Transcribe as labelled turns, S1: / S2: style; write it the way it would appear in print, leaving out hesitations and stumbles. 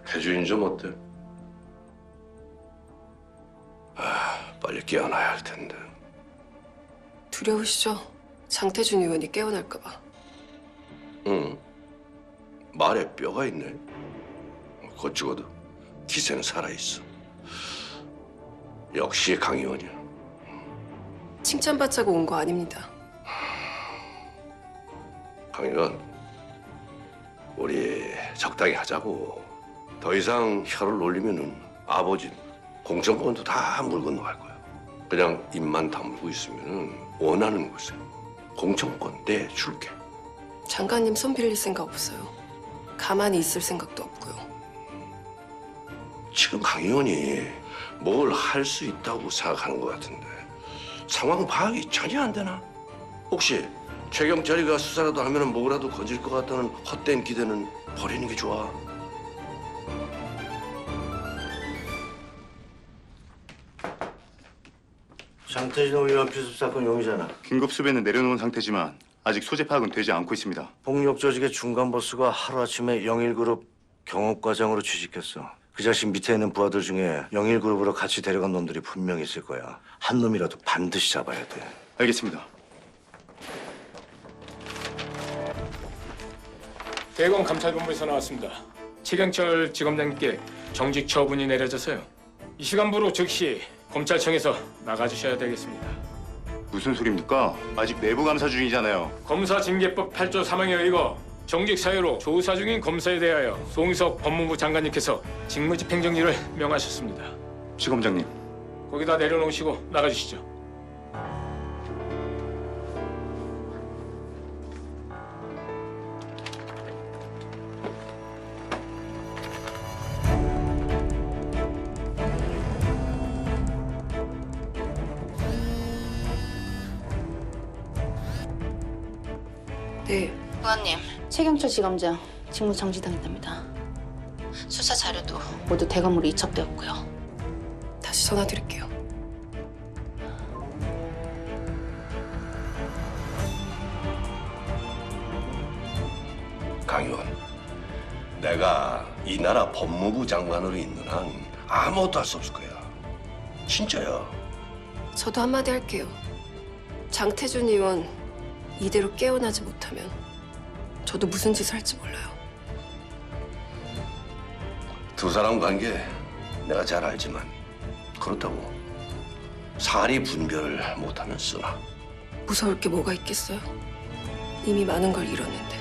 S1: 태준이 좀 어때? 빨리 깨어나야 할 텐데.
S2: 두려우시죠? 장태준 의원이 깨어날까 봐.
S1: 응. 말에 뼈가 있네. 곧 죽어도 기세는 살아있어. 역시 강 의원이야.
S2: 칭찬받자고 온 거 아닙니다.
S1: 강 의원, 우리 적당히 하자고. 더 이상 혀를 놀리면은 아버지 공천권도 다 물 건너갈 거야. 그냥 입만 다물고 있으면은 원하는 곳에 공천권 내줄게.
S2: 장관님 손 빌릴 생각 없어요. 가만히 있을 생각도 없고요.
S1: 지금 강 의원이 뭘 할 수 있다고 생각하는 것 같은데 상황 파악이 전혀 안 되나? 혹시 최 경찰이가 수사라도 하면 뭐라도 건질 것 같다는 헛된 기대는 버리는 게 좋아.
S3: 장태준 의원 피습 사건 용의자는
S4: 긴급 수배는 내려놓은 상태지만 아직 소재 파악은 되지 않고 있습니다.
S3: 폭력 조직의 중간 보스가 하루아침에 영일그룹 경업과장으로 취직했어. 그 자식 밑에 있는 부하들 중에 영일그룹으로 같이 데려간 놈들이 분명히 있을 거야. 한 놈이라도 반드시 잡아야 돼.
S4: 알겠습니다.
S5: 대검 감찰본부에서 나왔습니다. 최경철 지검장님께 정직 처분이 내려져서요. 이 시간부로 즉시 검찰청에서 나가주셔야 되겠습니다.
S4: 무슨 소리입니까? 아직 내부 감사 중이잖아요.
S5: 검사징계법 8조 3항에 의거 정직 사유로 조사 중인 검사에 대하여 송희석 법무부 장관님께서 직무집행정지를 명하셨습니다.
S4: 지검장님,
S5: 거기다 내려놓으시고 나가주시죠.
S2: 네,
S6: 의원님, 최경철 지검장 직무 정지당했답니다. 수사 자료도 모두 대검으로 이첩되었고요.
S2: 다시 전화 드릴게요.
S1: 강 의원, 내가 이 나라 법무부 장관으로 있는 한 아무것도 할 수 없을 거야. 진짜야.
S2: 저도 한마디 할게요. 장태준 의원 이대로 깨어나지 못하면 저도 무슨 짓을 할지 몰라요.
S1: 두 사람 관계 내가 잘 알지만 그렇다고 사리 분별을 못하면 쓰나.
S2: 무서울 게 뭐가 있겠어요? 이미 많은 걸 잃었는데.